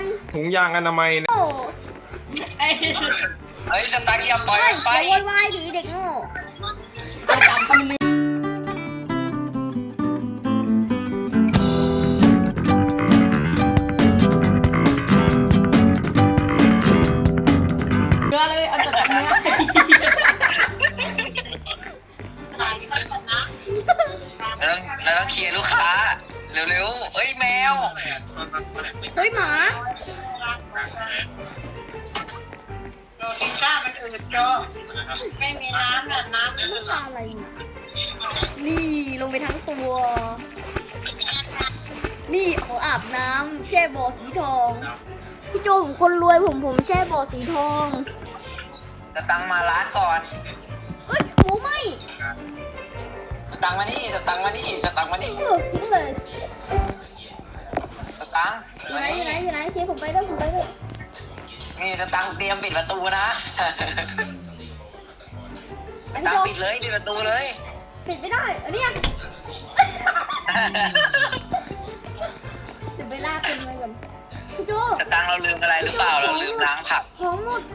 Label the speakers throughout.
Speaker 1: ถุงยางอนามัยเนี่ย
Speaker 2: โอ้
Speaker 3: เฮ้ยสตาร์ทอย่าปล่อย
Speaker 2: เฮ้ย
Speaker 3: ไป
Speaker 2: อย่าโวยวายดิเด็กโง่
Speaker 3: อาจารย์ทำมือเนื้อเลยเอาจากเนื้อแล้วต้องเคลียร์ลูกค้าเร็วๆเฮ้ยแมว
Speaker 2: เฮ้ยหมา
Speaker 4: พิซซ่ามันอืดโจไม่มีน้ำน่ะน้ำมันอืด
Speaker 2: อะไรนี่ลงไปทั้งตัว นี่เขาอาบน้ำแช่บ่อสีทอง พี่โจผมคนรวยผมแช่บ่อสีทอง
Speaker 3: จะตังมาร้านก่อน
Speaker 2: เฮ้ยหมูไหม
Speaker 3: จะตังมานี่จะตังมานี่จะตังมานี่
Speaker 2: ทิ้งเลย
Speaker 3: จะตัง
Speaker 2: อยู่
Speaker 3: มา
Speaker 2: ไหน
Speaker 3: นี่
Speaker 2: อยู่ไหนเชียร์ผมไปด้วยผมไปด้วย
Speaker 3: นี่จะตังเตรียมปิดประตูนะ
Speaker 2: พี่
Speaker 3: ตัง
Speaker 2: โจ
Speaker 3: ปิดเลยปิดประตูเลย
Speaker 2: ปิดไม่ได้อันนี้เดี๋ยวไปลากเป็นไงก่อนพี่โจ
Speaker 3: จะตังเราลืมอะไรหรือเปล่าเราลืมล้างผัก
Speaker 2: ของหมด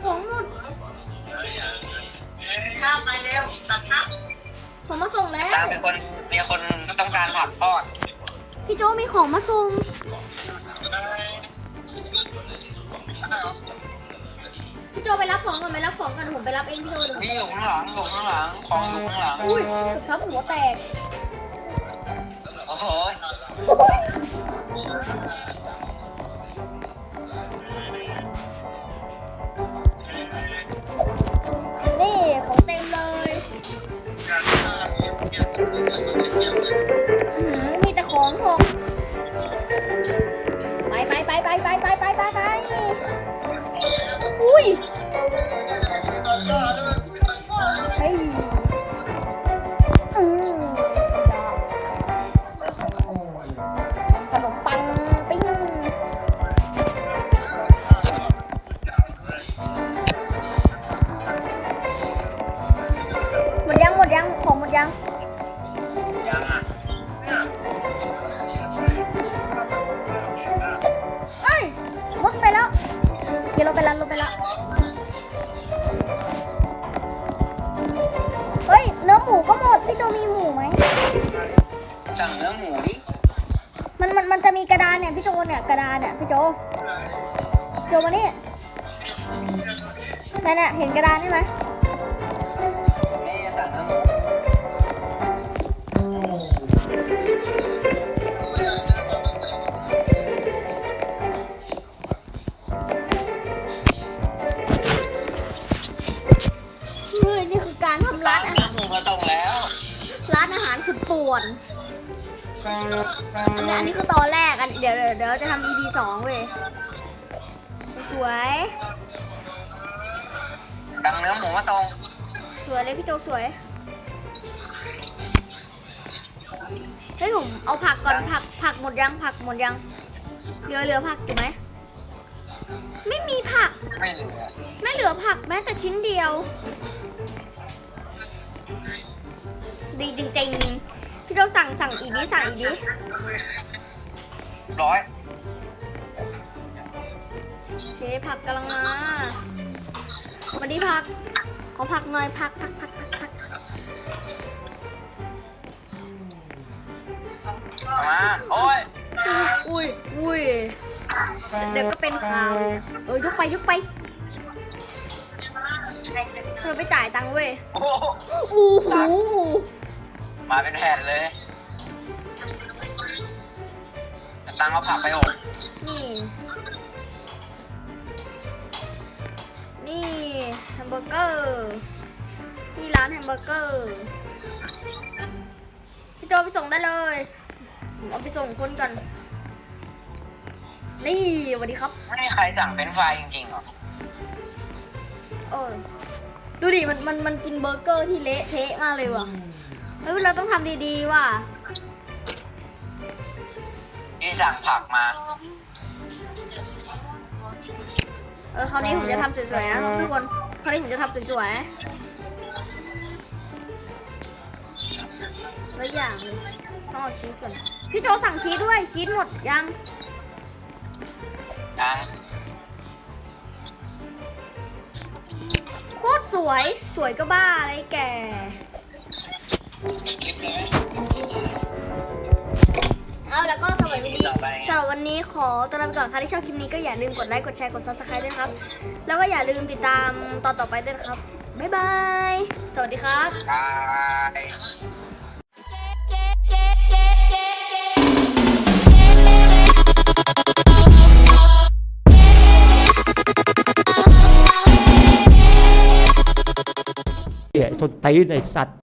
Speaker 4: ข้ามมาเร็วตัดน้
Speaker 2: ของมาส่งแล้ว
Speaker 3: ตังเป็นคนมีคนต้องการผักทอด
Speaker 2: พี่โจมีของมาส่งพี่โจไปรับของก่อนผมไปรับเองพี่โจเดี๋ยว
Speaker 3: นี่อยู่ข้างหลังของอยู่ข้างหลัง
Speaker 2: อุ้ยเกือบทับหัวแตก
Speaker 3: โอ้โห
Speaker 2: นี่ของเต็มเลยมีแต่ของผมไปอุ้ยเฮ้ยขนมปังปิ้งหมดยังของหมดยัง
Speaker 3: ยังอ่ะ
Speaker 2: เอ้ยรถไปแล้วขี่รถไปแล้วเฮ้ยเนื้อหมูก็หมดพี่โจมีหมูไหม
Speaker 3: สั่งเนื้อหมูดิ
Speaker 2: มันจะมีกระดานเนี่ยพี่โจเนี่ยกระดานเนี่ยพี่โจมานี่นั่นน่ะเห็นกระดานนี่ไหม
Speaker 3: นี่สั่งเนื้อหมู
Speaker 2: เฮ้ยนี่คือการทำร้านอา
Speaker 3: เนื้
Speaker 2: หา
Speaker 3: อ
Speaker 2: ร
Speaker 3: หมูมาส่งแล้ว
Speaker 2: ร้านอาหารสุดป่วนอันนี้คือตอนแรกเดี๋ยวจะทำ EP 2เว้ยสวย
Speaker 3: สั่งเนื้อหมูมาส่ง
Speaker 2: เลยพี่โจสวยเฮ้ยผมเอาผักก่อนผักหมดยังเหลือผักอยู่ไหมไม่มีผัก
Speaker 3: ไม่เหลือ
Speaker 2: ไม่เหลือผักแม้แต่ชิ้นเดียว ดีจริงๆพี่โจสั่งอีกดิ
Speaker 3: ร้อย
Speaker 2: เชฟผักกำลังมาวันนี้ผักขอผักหน่อยผัก
Speaker 3: มาโอ้ย
Speaker 2: อุ้ยเดี๋ยวก็เป็นข่าวเลยยกไปเราไปจ่ายตังค์เว้ย
Speaker 3: โอ้โห
Speaker 2: โอ้โห
Speaker 3: มาเป็นแผ่นเลยตังเอาผักไปอบ
Speaker 2: นี่แฮมเบอร์เกอร์นี่ร้านแฮมเบอร์เกอร์พี่โจไปส่งได้เลยผมเอาไปส่งคนกันนี่สวัสดีครับ
Speaker 3: ไม่มีใครสั่งเป็นไฟรายจริงๆหรอ
Speaker 2: ดูดิมันกินเบอร์เกอร์ที่เละเทะมากเลยว่ะเฮ้ยเราต้องทำดีๆว่ะ
Speaker 3: ที่สั่งผักมา
Speaker 2: คราวนี้ผมจะทำสวยๆนะทุกคนคราวนี้ผมจะทำสวยๆแล้วอย่างเลยต้องเอาชีสก่อนพี่โจสั่งชีสด้วยชีสหมดยัง
Speaker 3: อ่ะ
Speaker 2: โคตรสวย สวยก็บ้าอะไรแก
Speaker 3: คลิปเลย
Speaker 2: เอาแล้วก็สำหรับวันนี้
Speaker 3: ต่อไป
Speaker 2: สำหรับวันนี้ขอตัวลาไปก่อนใครที่ชอบคลิปนี้ก็อย่าลืมกดไลค์กดแชร์กด subscribe ด้วยนะครับ แล้วก็อย่าลืมติดตามตอนต่อไปด้วยนะครับบ๊ายบายสวัสดีครับ
Speaker 3: บาย
Speaker 1: ไอ้ทนตีนไอ้สัตว์